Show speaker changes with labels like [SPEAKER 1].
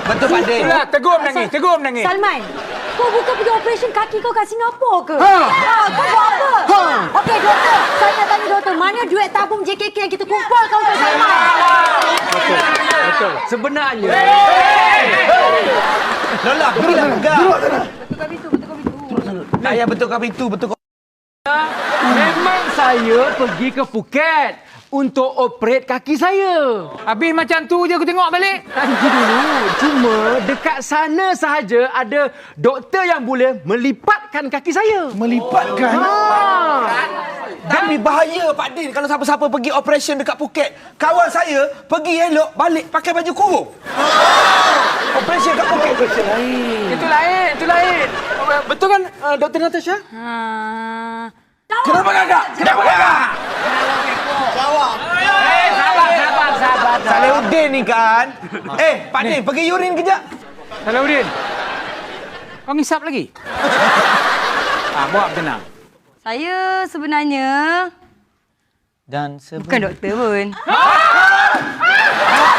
[SPEAKER 1] Betul Pak Din.
[SPEAKER 2] Itulah, tegur menangis.
[SPEAKER 3] Salman, kau bukan pergi operation kaki kau kat Singapura ke?
[SPEAKER 2] Ha.
[SPEAKER 3] Kau buat apa? Okey, doktor. Saya nak tanya doktor, mana duit tabung JKK yang kita kumpulkan untuk Salman?
[SPEAKER 2] Betul. Sebenarnya...
[SPEAKER 1] Lola, pergilah pegang.
[SPEAKER 3] Betulkan pintu, betulkan pintu.
[SPEAKER 1] Tak payah betulkan pintu, betulkan.
[SPEAKER 2] Memang saya pergi ke Phuket untuk operate kaki saya. Habis macam tu je aku tengok balik. Nanti dulu. Cuma dekat sana sahaja ada doktor yang boleh melipatkan kaki saya.
[SPEAKER 1] Melipatkan? Tapi bahaya Pak Din kalau siapa-siapa pergi operation dekat Phuket. Kawan saya pergi elok balik pakai baju kurung. Operation kat Phuket.
[SPEAKER 2] Itu lain. Betul kan Dr. Natasha?
[SPEAKER 1] Kenapa kakak?
[SPEAKER 2] Sabar.
[SPEAKER 1] Salahuddin ni kan. Pak Din pergi urin kejap.
[SPEAKER 2] Salahuddin. Kau ngisap lagi? Buat tenang.
[SPEAKER 3] Saya sebenarnya
[SPEAKER 1] Dan
[SPEAKER 3] bukan doktor pun.